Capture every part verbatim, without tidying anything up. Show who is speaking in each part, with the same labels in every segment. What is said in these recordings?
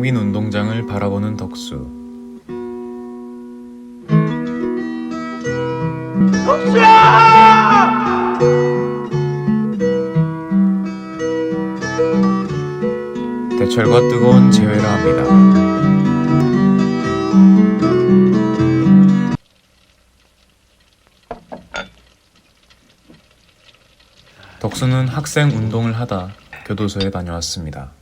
Speaker 1: 텅 빈 운동장을 바라보는 덕수.
Speaker 2: 덕수야!
Speaker 1: 대철과 뜨거운 재회라 합니다. 덕수는 학생 운동을 하다 교도소에 다녀왔습니다.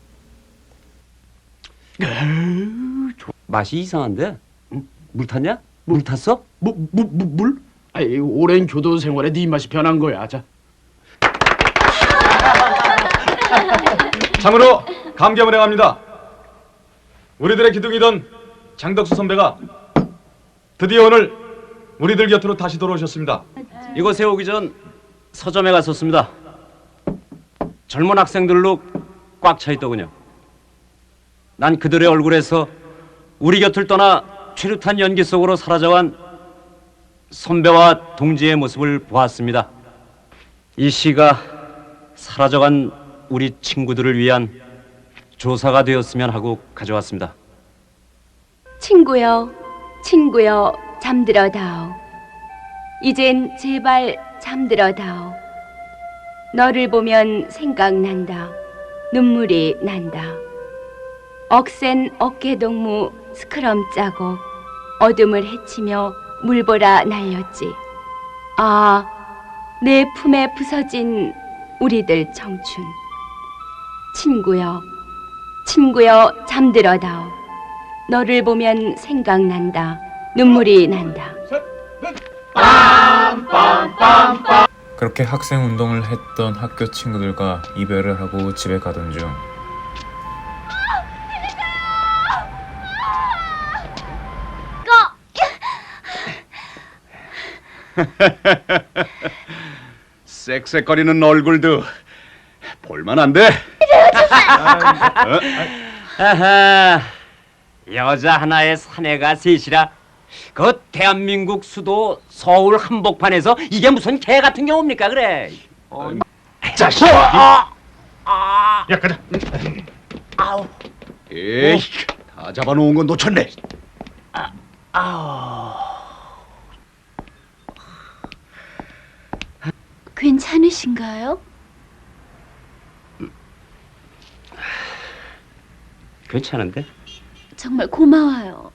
Speaker 3: 맛이 이상한데? 응? 물 탔냐? 물 탔어?
Speaker 2: 뭐, 뭐, 뭐, 물? 아이, 오랜 교도 생활에 네 입맛이 변한 거야. 자.
Speaker 4: 참으로 감개무량합니다. 우리들의 기둥이던 장덕수 선배가 드디어 오늘 우리들 곁으로 다시 돌아오셨습니다.
Speaker 3: 이곳에 오기 전 서점에 갔었습니다. 젊은 학생들로 꽉 차 있더군요. 난 그들의 얼굴에서 우리 곁을 떠나 최루탄 연기 속으로 사라져간 선배와 동지의 모습을 보았습니다. 이 시가 사라져간 우리 친구들을 위한 조사가 되었으면 하고 가져왔습니다.
Speaker 5: 친구여, 친구여, 잠들어다오. 이젠 제발 잠들어다오. 너를 보면 생각난다. 눈물이 난다. 억센 어깨동무 스크럼 짜고 어둠을 헤치며 물보라 날렸지. 아, 내 품에 부서진 우리들 청춘. 친구여, 친구여, 잠들어다오. 너를 보면 생각난다. 눈물이 난다.
Speaker 1: 그렇게 학생 운동을 했던 학교 친구들과 이별을 하고 집에 가던 중
Speaker 4: 쌕쌕거리는 얼굴도 볼만한데?
Speaker 3: 아하, 여자 하나의 사내가 셋이라 그 대한민국 수도 서울 한복판에서 이게 무슨 개 같은 경우입니까 그래? 어,
Speaker 4: 자식!
Speaker 3: 아, 아,
Speaker 4: 야, 가자.
Speaker 3: 아우,
Speaker 4: 에이, 다 잡아놓은 건 놓쳤네.
Speaker 3: 아우.
Speaker 5: 괜찮으신가요?
Speaker 3: 괜찮은데?
Speaker 5: 정말 고마워요.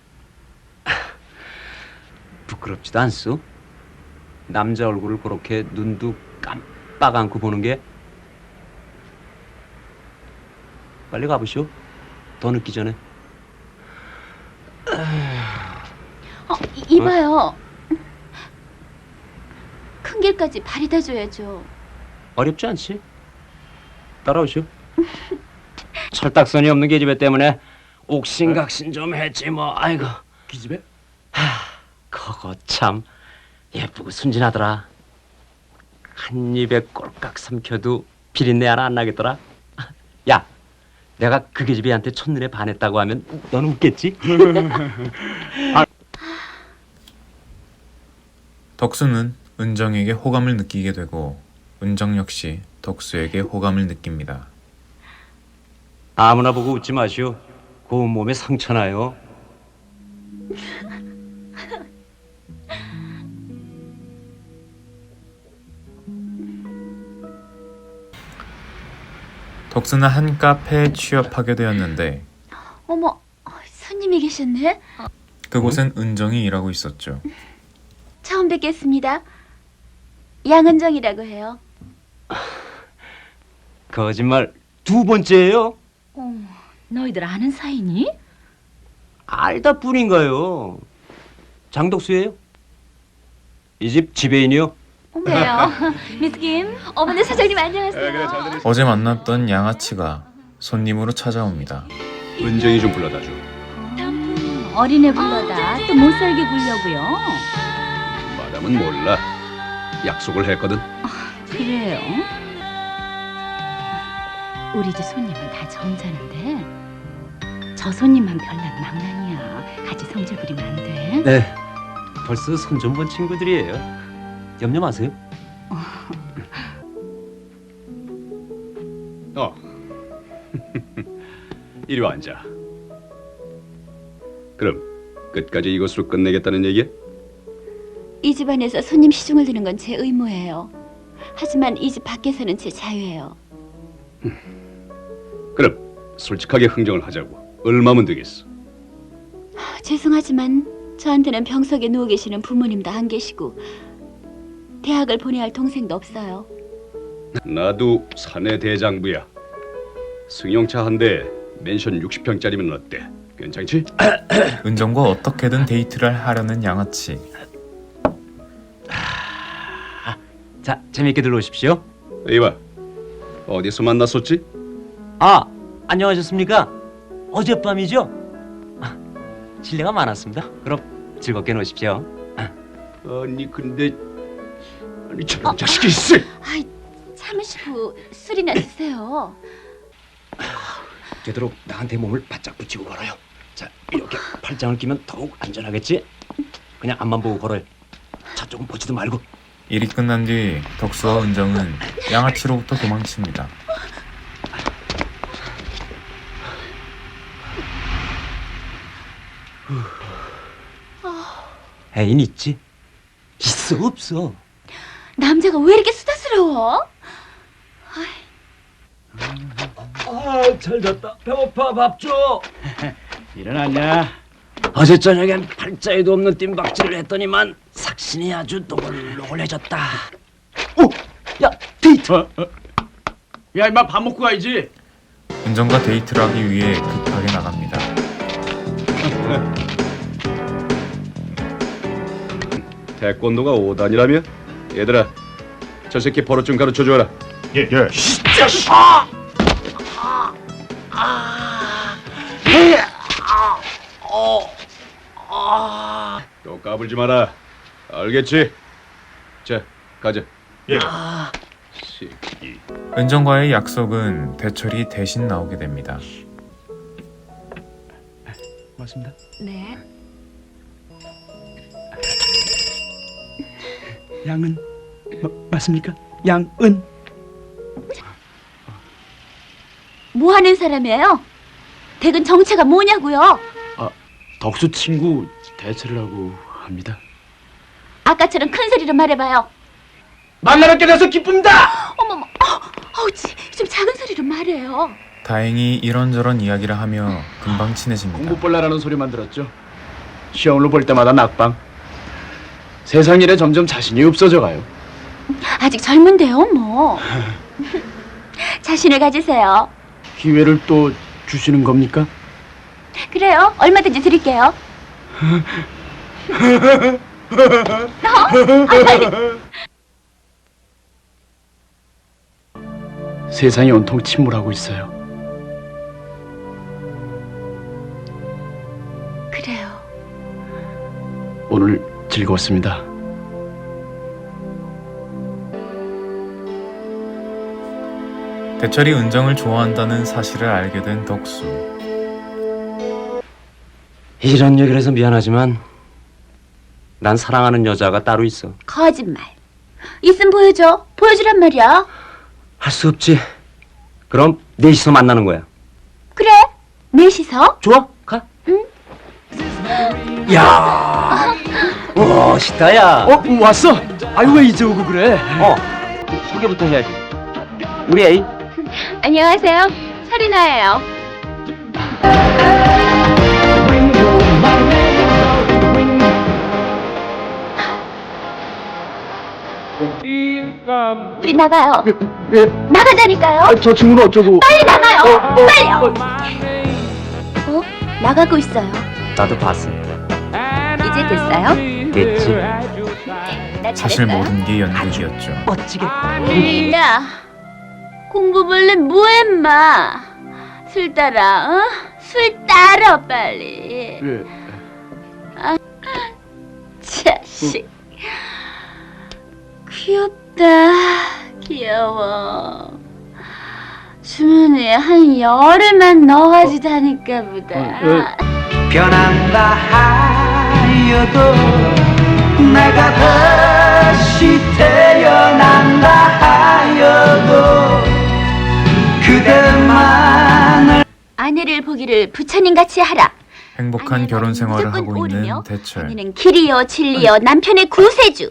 Speaker 3: 부끄럽지도 않소? 남자 얼굴을 그렇게 눈도 깜빡 않고 보는 게. 빨리 가보시오. 더 늦기 전에.
Speaker 5: 어, 이, 이봐요. 큰 길까지 바래다 줘야죠.
Speaker 3: 어렵지 않지? 따라오시오. 철딱선이 없는 계집애 때문에 옥신각신 좀 했지 뭐. 아이고.
Speaker 2: 기집애?
Speaker 3: 하, 그거 참 예쁘고 순진하더라. 한 입에 꼴깍 삼켜도 비린내 하나 안 나겠더라. 야, 내가 그 계집애한테 첫눈에 반했다고 하면 너는 웃겠지?
Speaker 1: 덕수는 은정에게 호감을 느끼게 되고 은정 역시 덕수에게 호감을 느낍니다.
Speaker 3: 아무나 보고 웃지 마시오. 고운 몸에 상처나요.
Speaker 1: 덕수는 한 카페에 취업하게 되었는데
Speaker 5: 어머, 손님이 계셨네.
Speaker 1: 그곳엔 은정이 일하고 있었죠.
Speaker 5: 처음 뵙겠습니다. 양은정이라고 해요.
Speaker 3: 거짓말 두 번째예요?
Speaker 6: 어, 너희들 아는 사이니?
Speaker 3: 알다 뿐인가요? 장덕수예요? 이 집 지배인이요?
Speaker 5: 어머요. 미스 김. 어머니 사장님 안녕하세요.
Speaker 1: 어제 만났던 양아치가 손님으로 찾아옵니다.
Speaker 4: 은정이 좀 불러다 줘.
Speaker 6: 음, 어린애 불러다 또 못 살게 굴려고요.
Speaker 4: 마담은 몰라. 약속을 했거든.
Speaker 6: 그래요? 우리 집 손님은 다 점잖은데 저 손님만 별난 망나니야. 같이 성질 부리면 안 돼.
Speaker 3: 네, 벌써 손 좀 본 친구들이에요. 염려 마세요.
Speaker 4: 어. 이리 와 앉아. 그럼 끝까지 이것으로 끝내겠다는 얘기야?
Speaker 5: 이 집안에서 손님 시중을 드는 건 제 의무예요. 하지만 이 집 밖에서는 제 자유예요.
Speaker 4: 그럼 솔직하게 흥정을 하자고. 얼마면 되겠어?
Speaker 5: 죄송하지만 저한테는 병석에 누워 계시는 부모님도 안 계시고 대학을 보내야 할 동생도 없어요.
Speaker 4: 나도 사내 대장부야. 승용차 한 대 맨션 육십 평짜리면 어때? 괜찮지?
Speaker 1: 은정과 어떻게든 데이트를 하려는 양아치.
Speaker 3: 자, 재미있게 들어오십시오.
Speaker 4: 이봐, 어디서 만났었지?
Speaker 3: 아, 안녕하셨습니까? 어젯밤이죠? 아, 실례가 많았습니다. 그럼 즐겁게 노십시오.
Speaker 4: 아니 근데 아니 저런 자식이 있어.
Speaker 5: 아이, 참으시고 술이나 드세요.
Speaker 3: 되도록 나한테 몸을 바짝 붙이고 걸어요. 자, 이렇게 팔짱을 끼면 더욱 안전하겠지? 그냥 앞만 보고 걸어요. 차 조금 보지도 말고.
Speaker 1: 일이 끝난 뒤 덕수와 은정은 양아치로부터 도망칩니다.
Speaker 3: 애인 있지? 있어 없어?
Speaker 5: 남자가 왜 이렇게 수다스러워?
Speaker 3: 아, 잘 잤다. 배고파. 밥 줘.
Speaker 2: 일어났냐?
Speaker 3: 어제 저녁엔 팔자에도 없는 뜀박질을 했더니만 삭신이 아주 노골노골해졌다. 오! 야, 데이트!
Speaker 2: 어? 어? 야 임마 밥 먹고 가야지.
Speaker 1: 은정과 데이트를 하기 위해 급하게 나갑니다.
Speaker 4: 태권도가 오 단이라며? 얘들아, 저 새끼 버릇 좀 가르쳐줘라.
Speaker 2: 예 예.
Speaker 4: 또 까불지 마라. 알겠지? 자, 가자.
Speaker 2: 예.
Speaker 4: 새끼.
Speaker 1: 은정과의 약속은 대철이 대신 나오게 됩니다.
Speaker 2: 맞습니다.
Speaker 5: 네.
Speaker 2: 양은 마, 맞습니까? 양은
Speaker 5: 뭐 하는 사람이에요? 댁은 정체가 뭐냐고요?
Speaker 2: 덕수 친구 대체라고 합니다.
Speaker 5: 아까처럼 큰 소리로 말해봐요.
Speaker 2: 만나뵙게 돼서 기쁩니다.
Speaker 5: 어머머, 어, 어우지, 좀 작은 소리로 말해요.
Speaker 1: 다행히 이런저런 이야기를 하며 금방 친해집니다.
Speaker 2: 공부벌라라는 소리만 들었죠. 시험을 볼 때마다 낙방. 세상 일에 점점 자신이 없어져가요.
Speaker 5: 아직 젊은데요, 뭐. 자신을 가지세요.
Speaker 2: 기회를 또 주시는 겁니까?
Speaker 5: 그래요, 얼마든지 드릴게요.
Speaker 2: 세상이 온통 침몰하고 있어요.
Speaker 5: 그래요.
Speaker 2: 오늘 즐거웠습니다.
Speaker 1: 대철이 은정을 좋아한다는 사실을 알게 된 덕수.
Speaker 3: 이런 얘기를 해서 미안하지만 난 사랑하는 여자가 따로 있어.
Speaker 5: 거짓말. 있으면 보여줘. 보여주란 말이야.
Speaker 3: 할 수 없지. 그럼 넷이서 만나는 거야.
Speaker 5: 그래, 넷이서.
Speaker 3: 좋아, 가.
Speaker 5: 응.
Speaker 3: 야, 멋있다, 야.
Speaker 2: 어? 왔어? 아유 왜 이제 오고 그래?
Speaker 3: 어, 소개부터 해야지. 우리 애인.
Speaker 5: 안녕하세요. 설이나예요. 우리 나가요.
Speaker 2: 예.
Speaker 5: 나가자니까요.
Speaker 2: 아, 저 친구는 어쩌고?
Speaker 5: 빨리 나가요.
Speaker 2: 어, 어,
Speaker 5: 빨리요.
Speaker 2: 어.
Speaker 5: 어? 나가고 있어요.
Speaker 3: 나도 봤어.
Speaker 5: 이제 됐어요?
Speaker 3: 됐지.
Speaker 5: 나
Speaker 1: 사실
Speaker 5: 잘했어요?
Speaker 1: 모든 게 연극이었죠.
Speaker 3: 멋지게.
Speaker 5: 야, 공부 몰래 뭐해, 마. 술 따라, 어? 술 따라, 빨리.
Speaker 2: 예.
Speaker 5: 자식. 귀엽다. 귀여워. 주머니에 한 열흘만 넣어가지다니까 보다.
Speaker 2: 어,
Speaker 7: 변한다 하여도 내가 다시 태어난다 하여도 그대만을
Speaker 5: 아내를 보기를 부처님 같이 하라.
Speaker 1: 행복한
Speaker 5: 아니야,
Speaker 1: 결혼
Speaker 5: 나는
Speaker 1: 생활을
Speaker 5: 무조건
Speaker 1: 하고 있는
Speaker 5: 오르며
Speaker 1: 대철.
Speaker 5: 언니는 길이요 진리요 남편의 구세주.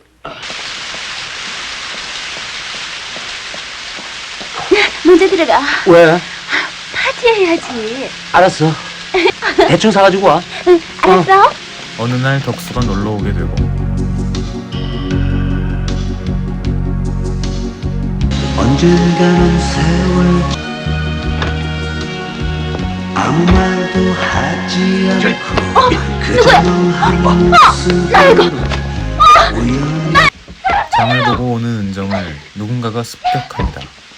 Speaker 5: 먼저 들어가.
Speaker 3: 왜?
Speaker 5: 파티해야지.
Speaker 3: 알았어. 대충 사가지고 와.
Speaker 5: 응, 알았어?
Speaker 1: 어느 날 덕수가 놀러 오게 되고
Speaker 7: 언젠가는 세월 아무 말도 하지 않고 그저 멍하니 모습으로 우연히
Speaker 1: 장을 보고 오는 은정을 누군가가 습격합니다.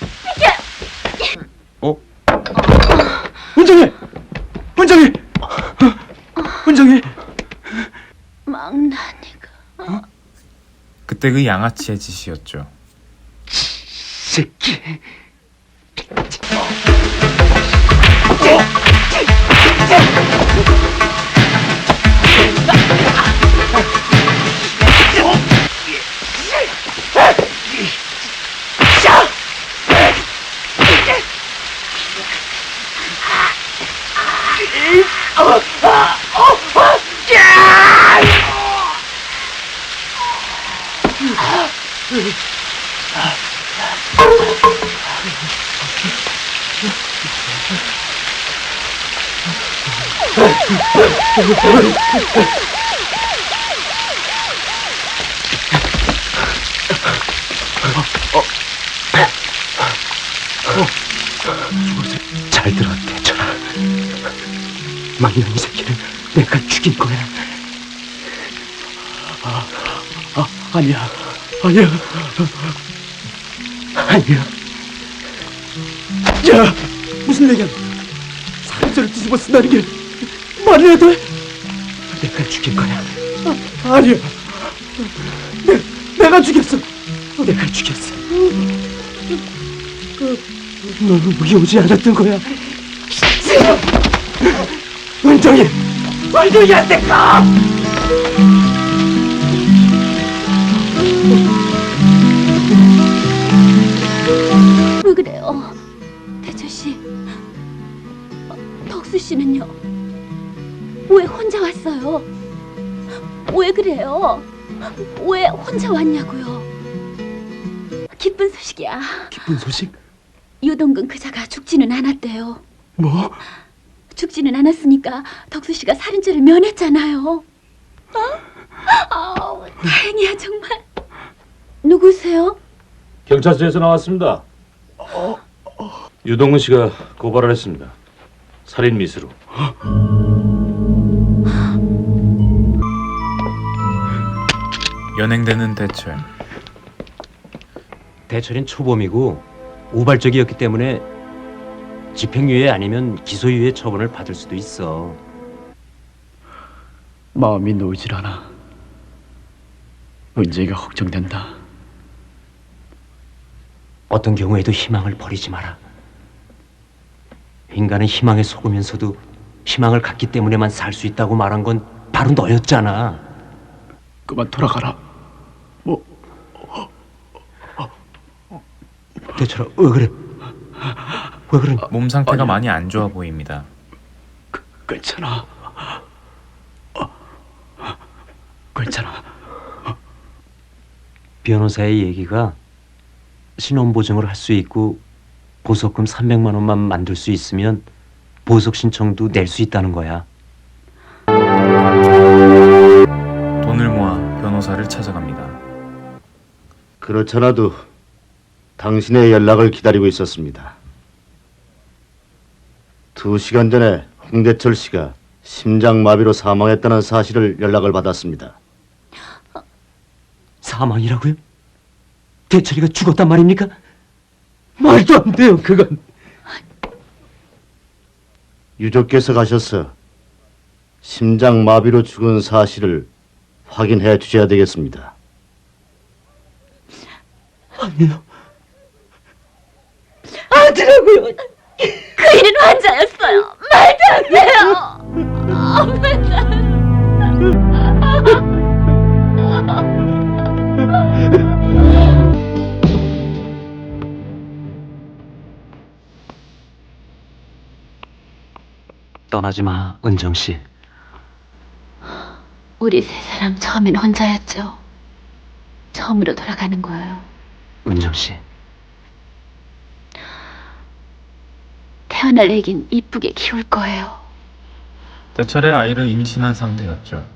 Speaker 2: 은정이! 은정이! 은정이!
Speaker 5: 망나니가.
Speaker 1: 그때 그 양아치의 짓이었죠.
Speaker 3: 새끼. 잘 들어, 대철아. 망나니 새끼를 내가 죽인 거야.
Speaker 2: 아니야, 아니야.
Speaker 3: 아니야.
Speaker 2: 야! 무슨 얘기야? 사람들을 뒤집어 쓴다는 게 말이 해도 돼?
Speaker 3: 내가 죽인 거야.
Speaker 2: 아니야. 내, 내가 죽였어.
Speaker 3: 내가 죽였어. 너는 우리 오지 않았던 거야. 은정이, 은정이한테 가!
Speaker 5: 왜 그래요, 대철 씨? 어, 덕수 씨는요? 왜 혼자 왔어요? 왜 그래요? 왜 혼자 왔냐고요? 기쁜 소식이야.
Speaker 2: 기쁜 소식?
Speaker 5: 유동근 그자가 죽지는 않았대요.
Speaker 2: 뭐?
Speaker 5: 죽지는 않았으니까 덕수 씨가 살인죄를 면했잖아요. 어? 아우, 다행이야 정말. 누구세요?
Speaker 4: 경찰서에서 나왔습니다. 유동근 씨가 고발을 했습니다. 살인 미수로.
Speaker 1: 연행되는 대철.
Speaker 3: 대철인 초범이고 우발적이었기 때문에 집행유예 아니면 기소유예 처분을 받을 수도 있어.
Speaker 2: 마음이 놓이질 않아. 은정이가 걱정된다.
Speaker 3: 어떤 경우에도 희망을 버리지 마라. 인간은 희망에 속으면서도 희망을 갖기 때문에만 살 수 있다고 말한 건 바로 너였잖아.
Speaker 2: 그만 돌아가라. 뭐?
Speaker 3: 대철아, 왜 그래? 왜 그래?
Speaker 1: 몸 상태가
Speaker 2: 아니야.
Speaker 1: 많이 안 좋아 보입니다.
Speaker 2: 괜찮아. 어, 괜찮아.
Speaker 3: 변호사의 얘기가 신원보증을 할 수 있고 보석금 삼백만 원만 만들 수 있으면 보석 신청도 낼 수 있다는 거야.
Speaker 1: 돈을 모아 변호사를 찾아갑니다.
Speaker 8: 그렇잖아도 당신의 연락을 기다리고 있었습니다. 두 시간 전에 홍대철 씨가 심장마비로 사망했다는 사실을 연락을 받았습니다.
Speaker 3: 사망이라고요? 대철이가 죽었단 말입니까? 말도 안 돼요, 그건.
Speaker 8: 유족께서 가셔서 심장마비로 죽은 사실을 확인해 주셔야 되겠습니다.
Speaker 3: 아니요.
Speaker 5: 아들하고요. 그 일은 환자였어요. 말도 안 돼요. 아, 말도 안 돼.
Speaker 3: 떠나지 마, 은정 씨.
Speaker 5: 우리 세 사람 처음엔 혼자였죠. 처음으로 돌아가는 거예요.
Speaker 3: 은정 씨.
Speaker 5: 태어날 애긴 이쁘게 키울 거예요.
Speaker 1: 때철에 아이를 임신한 상태였죠.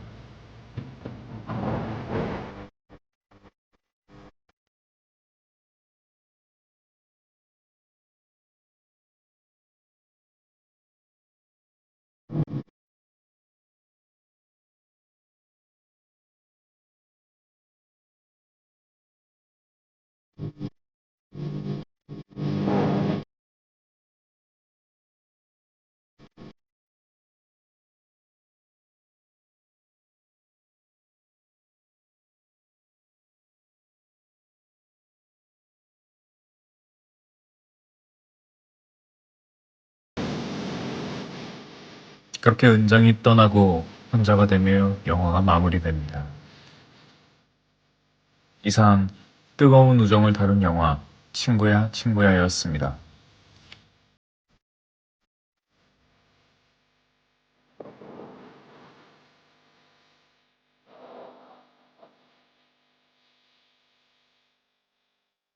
Speaker 1: 그렇게 은정이 떠나고 혼자가 되며 영화가 마무리됩니다. 이상 뜨거운 우정을 다룬 영화 친구야 친구야였습니다.